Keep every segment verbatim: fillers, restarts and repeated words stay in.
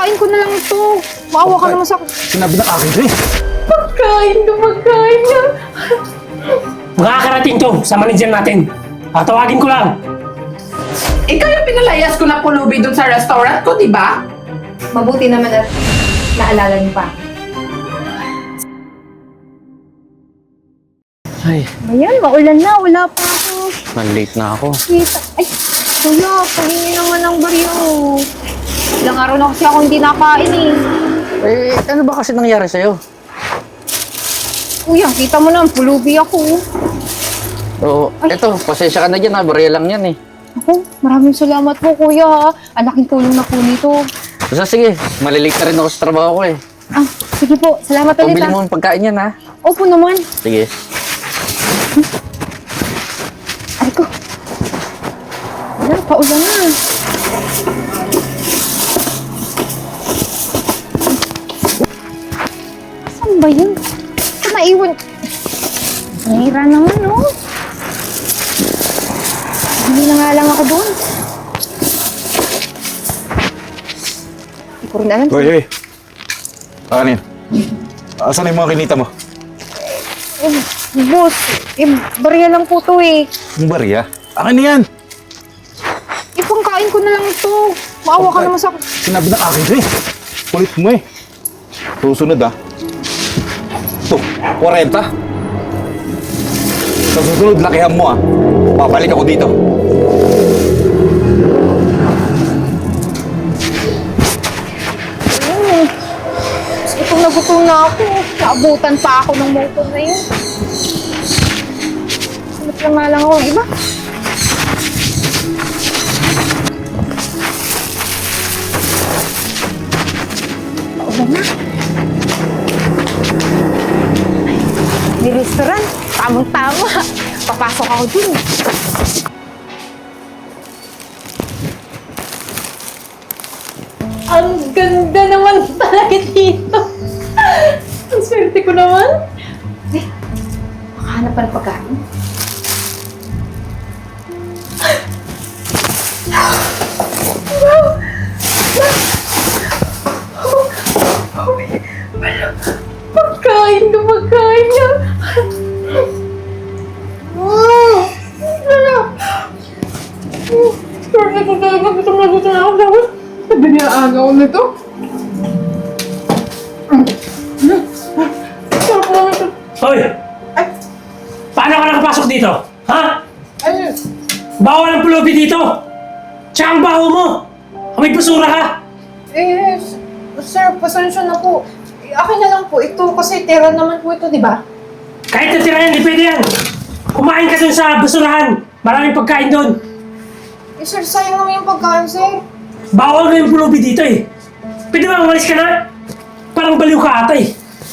Ipangkain ko na lang ito. Maawa ka naman sa... Sinabi ng akin to eh. Pagkain ka, pagkain ka. Makakarating to sa manager natin. Tatawagin ko lang. Ikaw yung pinalayas ko na pulubi dun sa restaurant ko, di ba? Mabuti naman at naalala niyo pa. Ay, Ayan, maulan na. Wala pa ako. malate na ako. Kita. Ay, kuya, pahingi naman ng baryo. Ilang araw na kasi ako hindi nakain eh. Eh, ano ba kasi nangyari sa'yo? Kuya, kita mo naman, pulubi ako. Oo, eto, pasensya ka na dyan ha, barya lang yan eh. Ako, maraming salamat po kuya ha. Ang laking tulong na po nito. Basta sige, malilate na rin ako sa trabaho ko eh. Ah, sige po. Salamat ulit Pabili ha. mo ng pagkain yan ha. Opo naman. Sige. Ay ko. Wala, paulan na. Saan ba yun? Ito naiwan. Nahira naman, no? Hindi na nga lang ako doon. Hindi ko rin alam. Hoy, hoy. Akanin. Asan yung mga kinita mo? Eh, boss, eh, barya lang po to eh. Yung barya? Akin na yan. Ipangkain ko na lang ito. Maawa ka naman sa... Sinabi ng akin to eh. Kulit mo eh. Susunod ah. Ito, forty. Sa susunod, lakihan mo ah. Babalik ako dito. Mm. Gutom na gutom na ako. Naabutan pa ako ng motor na yun. Salit lang nga lang ako ng iba. Paulan na. Ay, may restaurant. Tamang-tama. Papasok ako dun. Ang ganda naman talaga dito. Ang swerte ko naman. Eh, makahanap pa ng pagkain. Pagkain ka, pagkain ka. Wow! Ano? Swerte ko talaga. Gutom na gutom na ako. Dapat Sabi niya agaw nito. sarap naman ito. Hoy! Paano ka nakapasok dito? Ha? Ay, Bawal ang pulubi dito! Tsaka ang baho mo! May basura ka! Eh, sir, pasensya na po. Eh, akin na lang po ito kasi tira naman po ito, di ba? Kahit natira yan, di pwede yan! Kumain ka dun sa basurahan! Maraming pagkain dun! Eh, sir, sayang naman yung pagkain, sir. Bawal na yung pulubi dito eh! Pwede ba umalis ka na? Parang baliw ka ata eh!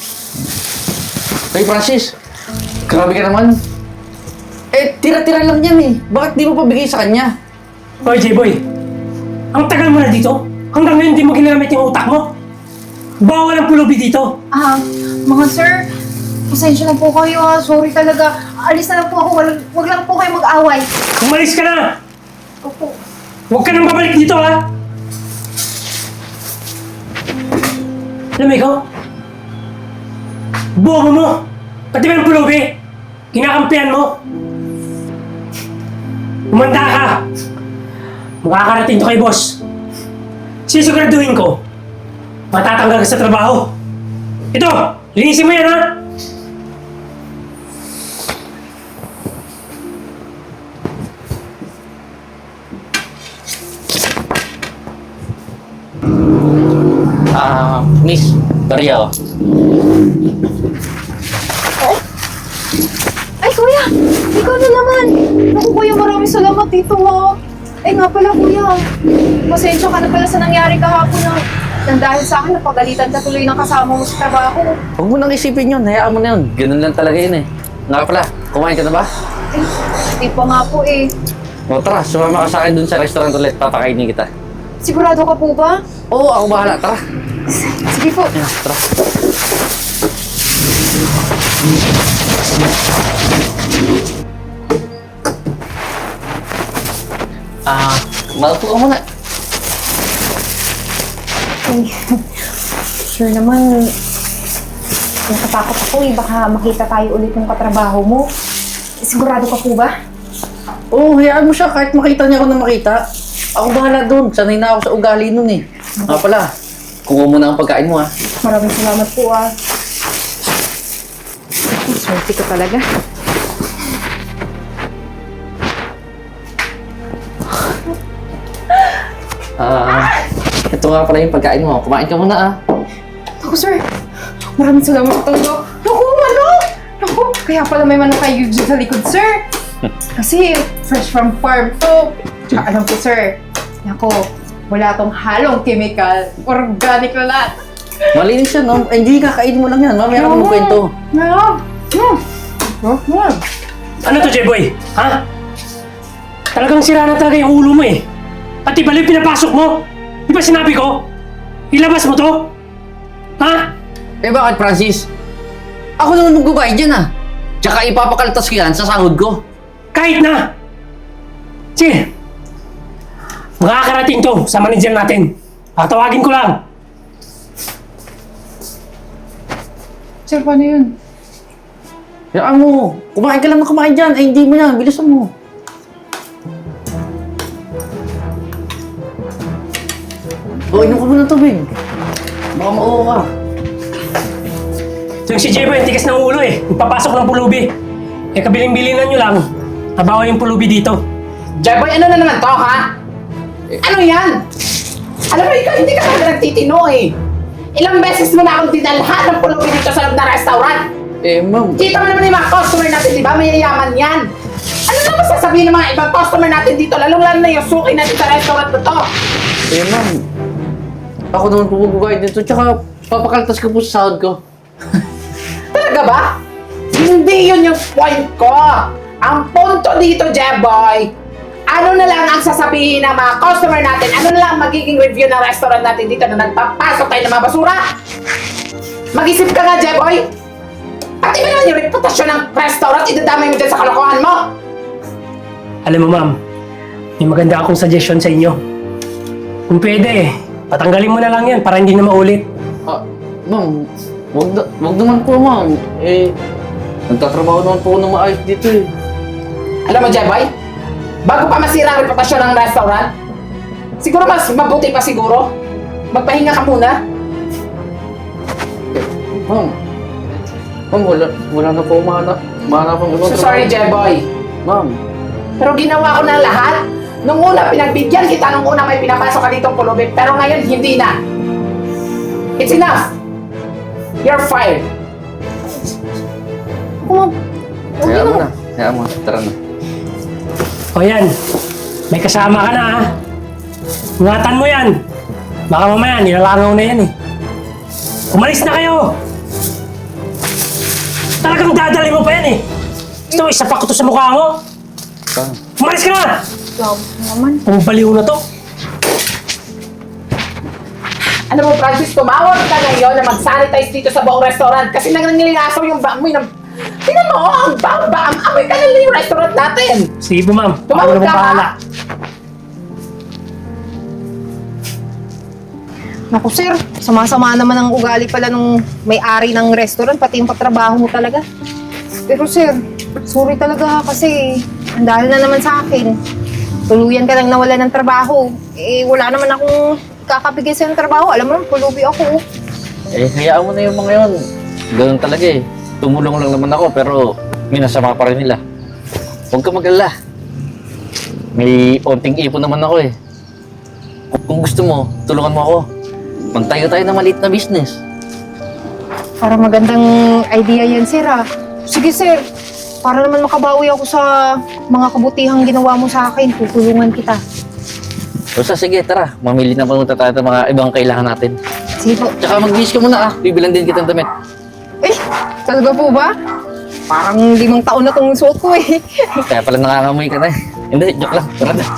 Hey Francis, grabe ka naman. Eh, tira-tira lang yan eh. Bakit di mo pabigay sa kanya? Hoy, J-Boy! Ang tagal mo na dito! Hanggang ngayon di mo ginamit yung utak mo! Bawal ang pulubi dito! Ah, mga sir, pasensya na po kayo ha. Sorry talaga. Alis na lang po ako. Wag, wag lang po kayo mag-away. Umalis ka na! Opo. Huwag ka nang babalik dito ha! Alam mo ikaw? Buho mo! Pati ba yung pulubi? Kinakampihan mo? Umanda ka! Makakarating to kay boss. Sisiguraduhin ko, matatanggal ka sa trabaho. Ito! Linisin mo yan ha! Ah, miss, barya oh. Ay, kuya! Ikaw na naman! Naku, kuya, maraming salamat dito ha. Eh nga pala, kuya. Pasensya ka na pala sa nangyari kahapon na nang dahil sa akin, napagalitan ka tuloy ng kasama mo sa trabaho. Huwag mo nang isipin yun, hayaan mo na yun. Ganun lang talaga yun eh. Nga pala, kumain ka na ba? Eh, hindi pa nga po eh. O tara, sumama ka sa akin dun sa restaurant ulit, papakainin kita. Sigurado ka po ba? Oo, ako bahala, tara. Sige po. Ayan, tara. Ah, malpo ka muna. Ay, sure naman, natatakot ako eh. Baka makita tayo ulit ng katrabaho mo. Sigurado ka po ba? Oo, oh, hayaan mo siya kahit makita niya ako na makita. Ako bahala doon. Sanay na ako sa ugali nun eh. Nga pala, kuha mo na ang pagkain mo ha. Maraming salamat po ah. Swerte ka talaga. Ah, ito nga pala yung pagkain mo. Kumain ka muna ah. Ako, sir. Maraming salamat sa tondo. Naku, manok! Naku, kaya pala may manok kayo dyan sa likod, sir. Kasi fresh from farm to. Tsaka alam ko, sir. Naku, wala tong halong chemical. Organic na lahat. Malinis siya, no? Eh, hindi, kakainin mo lang yan. Mamaya ka mo kwento. Meron. Hmm. Hmm. Ano to, J-Boy? Ha? Talagang sira na talaga yung ulo mo eh. Pati baliw pinapasok mo. Di ba sinabi ko? Ilabas mo to? Ha? Eh bakit, Francis? Ako naman magbabayad dyan ah. Tsaka ipapakaltas ko yan sa sahod ko. Kahit na! Sige. Makakarating to sa manager natin. Tatawagin ko lang. Sir, paano yun? Hayaan mo. Kumain ka lang na kumain dyan. Ay, hindi mo yan. Bilisan mo. O, inom ka muna tubig. Baka mauho ka. So yung si J-Boy, ang tigas ng ulo eh. Papasok ng pulubi. Eh, kabiling-bilinan nyo lang. Nabawa yung pulubi dito. Jeboy, ano na naman to, ha? Ano yan? Alam mo, ikaw hindi ka talaga nagtitino eh. Ilang beses mo na akong dinalhan ng pulubi dito sa loob na restaurant. Eh, ma'am. Kita mo naman yung mga customer natin, di ba? Mayayaman yan. Ano naman sasabihin ng mga ibang customer natin dito, lalong-lalo na yung suki natin sa restaurant na to? Eh, ma'am. Ako naman pupugugay dito. Tsaka, papakaltas ko po sa sahod ko. Talaga ba? Hindi yun yung point ko. Ang punto dito, Jeboy, ano na lang ang sasabihin ng mga customer natin? Ano na lang ang magiging review ng restaurant natin dito na nagpapasok tayo ng mga basura? Mag-isip ka nga, Jeboy. Pati ba naman yung reputasyon ng restaurant, idadamay mo dyan sa kalokohan mo? Alam mo, ma'am, may maganda akong suggestion sa inyo. Kung pwede, patanggalin mo na lang yan para hindi na maulit. Ah, ma'am. Wag, na, wag naman po, ma'am. Eh, nagtatrabaho naman po ako ng maayos dito eh. Alam mo, Jeboy, bago pa masira ang reputasyon ng restaurant, siguro mas mabuti pa siguro, magpahinga ka muna. Ma'am. Ma'am, wala, wala na po mahanap. Mahanap ang ibang So sorry, Jeboy. Ma'am. Pero ginawa ko na lahat. Nung una, pinagbigyan kita. Nung una, may pinapasok ka ditong pulubi. Pero ngayon, hindi na. It's enough. You're fired. Ako, huwag Hayaan mo na. na. Hayaan mo. Tara na. O yan, may kasama ka na ha. Ingatan mo yan. Baka mamaya, nilalangaw na yan eh. Umalis na kayo! Talagang dadali mo pa yan eh. Gusto mo, isapak ko to sa mukha mo. Tara. Umalis ka na! Grabe naman. Kung baliw na to. Alam mo, Francis, tumawag ka ngayon na mag-sanitize dito sa buong restaurant kasi nangangilingasaw yung baamoy ng... Tingnan mo, ang bang-bang, amoy ka na yung restaurant natin. Sige po ma'am, ako Tumawag naman ka, bahala. ha? Naku, sir. Sama-sama naman ang ugali pala nung may-ari ng restaurant, pati yung katrabaho mo talaga. Pero sir, sorry talaga kasi ang dahil na naman sa akin. Tuluyan ka lang nawala ng trabaho. Eh, wala naman akong kakabigay sa trabaho. Alam mo naman, pulubi ako. Eh, hayaan mo na yung mga yun. Ganun talaga eh. Tumulong lang naman ako pero minasama pa rin nila. Huwag ka mag-alala. May onting ipon naman ako eh. Kung gusto mo, tulungan mo ako. Magtayo tayo ng maliit na business. Para magandang idea yan, sir ah. Sige, sir. Para naman makabawi ako sa mga kabutihang ginawa mo sa akin, tutulungan kita. Basta sige, tara. Mamili na panunta tayo ng mga ibang kailangan natin. Sige po. Tsaka mag-wish ka muna ah. Bibilan din kitang damit. Eh, talaga po ba? Parang limang taon na tong suot ko eh. Kaya pala nangangamoy ka na eh. Hindi, joke lang. Tara na.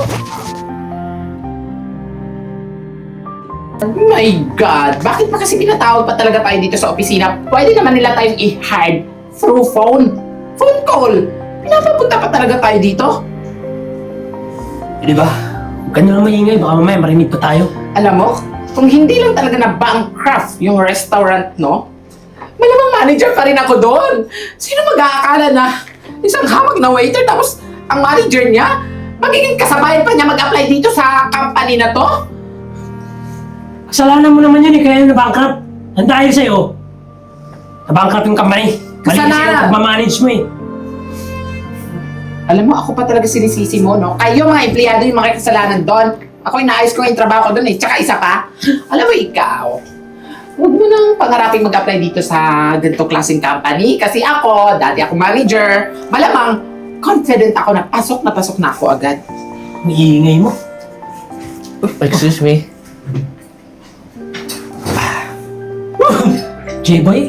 Oh my God! Bakit pa kasi pinatawag pa talaga tayo dito sa opisina? Pwede naman nila tayong i-hide through phone. Phone call! Pinapapunta pa talaga tayo dito? Eh, di ba? Huwag ka na lang maingay, baka mamaya marinig pa tayo. Alam mo, kung hindi lang talaga na bankrupt yung restaurant, no? Malamang manager pa rin ako doon. Sino mag-aakala na isang hamag na waiter tapos ang manager niya, magiging kasabayan pa niya mag-apply dito sa company na to? Kasalanan mo naman yun eh, kaya na-bankrupt. Ang dahil sa'yo, na-bankrupt yung company. Mali kasi Kasalanan. yung pagmamanage mo eh. Alam mo, ako pa talaga sinisisi mo, no? Kayo mga empleyado yung mga kasalanan doon. Ako inaayos ko yung trabaho ko doon eh. Tsaka isa pa, alam mo ikaw, huwag mo nang pangaraping mag-apply dito sa ganito klaseng company. Kasi ako, dati ako manager, malamang confident ako na pasok na pasok na ako agad. Ang iingay mo. Excuse me. J-boy?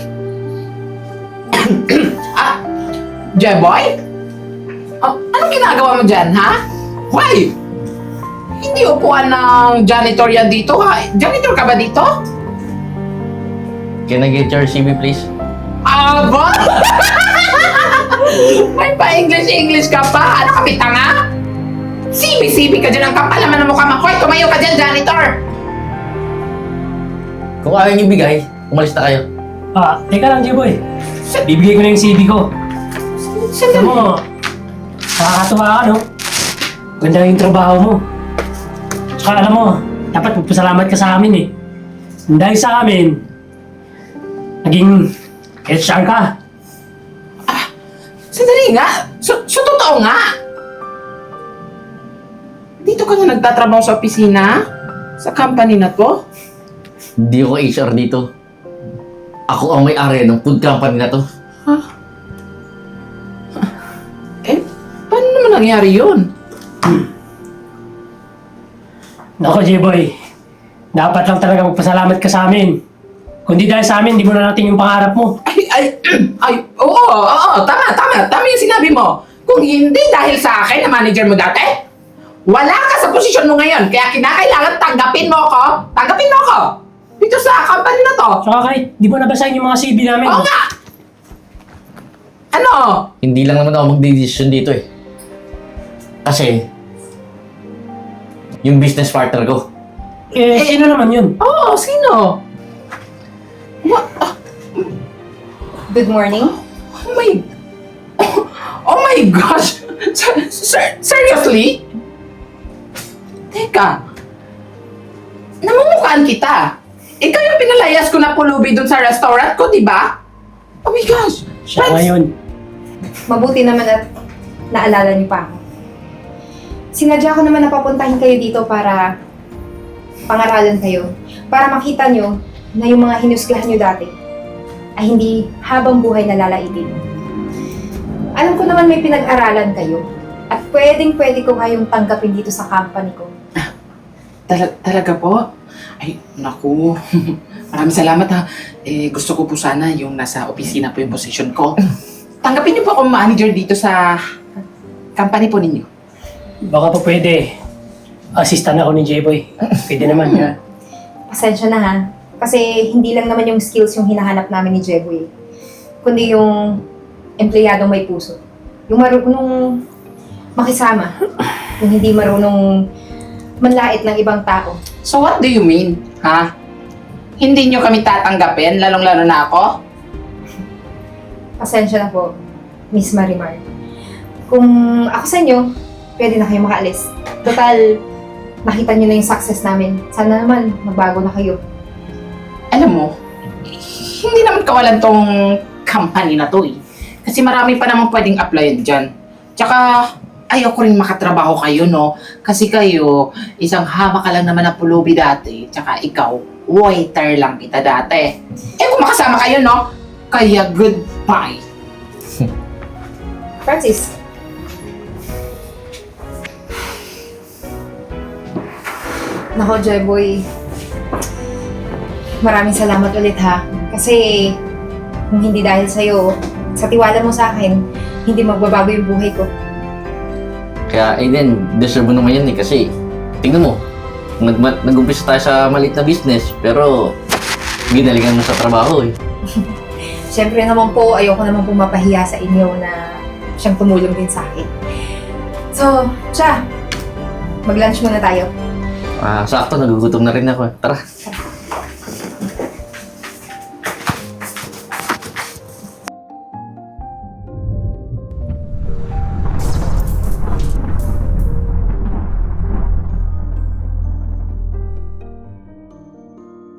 Ah, Jeboy? Oh, anong ginagawa mo dyan, ha? Why? Hindi upuan ng janitor yan dito, ha? Janitor ka ba dito? Can I get your C V, please? Aba! May pa-English-English ka pa? Ano kami, tanga? Sibi-sibi ka dyan ang kapal naman ng mukha mo. Hoy, tumayo ka dyan, janitor! Kung ayaw niyo bigay, umalis na kayo. Ah, teka lang J-boy. Bibigay ko na yung C V ko. Alam Sandali. mo, nakakatuwa ka no? Ganda yung trabaho mo. Tsaka alam mo, dapat magpasalamat ka sa amin eh. Dahil sa amin, naging H R ka. Sandali nga. So, so totoo nga. Dito ka na nagtatrabaho sa opisina? Sa company na to? Hindi ako H R dito. Ako ang may-ari ng food company na to. Eh, paano naman nangyari yun? Nako J-boy, dapat lang talaga magpasalamat ka sa amin. Kundi dahil sa amin, di mo na natin yung pangarap mo. Ay, ay, ay, oo, oo, tama, tama, tama yung sinabi mo. Kung hindi dahil sa akin na manager mo dati, wala ka sa posisyon mo ngayon. Kaya kinakailangan tanggapin mo ako, tanggapin mo ako dito sa company na to. Tsaka kahit di mo nabasahin yung mga C V namin. Oo nga! Ano? Hindi lang naman ako magdidesisyon dito eh. Kasi, yung business partner ko. Eh, sino naman yun? Oo, sino? What? Ah, Good morning. oh my... Oh my gosh! Ser- ser- seriously? Teka. Namumukhaan kita. Ikaw yung pinalayas ko na pulubi dun sa restaurant ko, di ba? Oh my gosh! Siya Friends, ngayon. Mabuti naman at naalala niyo pa ako. Sinadya ko naman na papuntahin kayo dito para pangaralan kayo. Para makita nyo na yung mga hinusgahan nyo dati ay hindi habang buhay na lalaitin. Alam ko naman may pinag-aralan kayo at pwedeng pwede ko kayong tanggapin dito sa company ko. Tala- talaga po? Ay, naku. Maraming salamat ha. Eh, gusto ko po sana yung nasa opisina po yung position ko. Tanggapin niyo po akong manager dito sa company po ninyo. Baka pa pwede. Assistant ako ni J-boy. Pwede naman. Ha? Pasensya na ha. Kasi hindi lang naman yung skills yung hinahanap namin ni Jeboy. Kundi yung empleyadong may puso. Yung marunong makisama. Yung hindi marunong manlait ng ibang tao. So what do you mean, ha? Hindi niyo kami tatanggapin, lalong-lalo na ako? Pasensya na po, Miss Marimar. Kung ako sa inyo, pwede na kayo makaalis. Total, nakita niyo na yung success namin. Sana naman, magbago na kayo. Alam mo, hindi naman kawalan tong company na to eh. Kasi marami pa naman pwedeng applyan dyan. Tsaka, ayaw ko rin makatrabaho kayo, no? Kasi kayo, isang hama ka lang naman na pulubi dati. Tsaka ikaw, waiter lang kita dati. Eh kung makasama kayo, no? Kaya goodbye. Francis. Nako, Jeboy. Maraming salamat ulit ha. Kasi kung hindi dahil sa'yo, sa tiwala mo sa akin, hindi magbabago yung buhay ko. Kaya Aiden, deserve mo naman yan eh kasi tingnan mo, nag nag-umpisa tayo sa maliit na business pero ginalingan mo sa trabaho eh. Siyempre naman po, ayoko naman po mapahiya sa inyo na siyang tumulong din sa akin. So, siya, mag-lunch muna tayo. Ah, sakto, nagugutom na rin ako. Tara.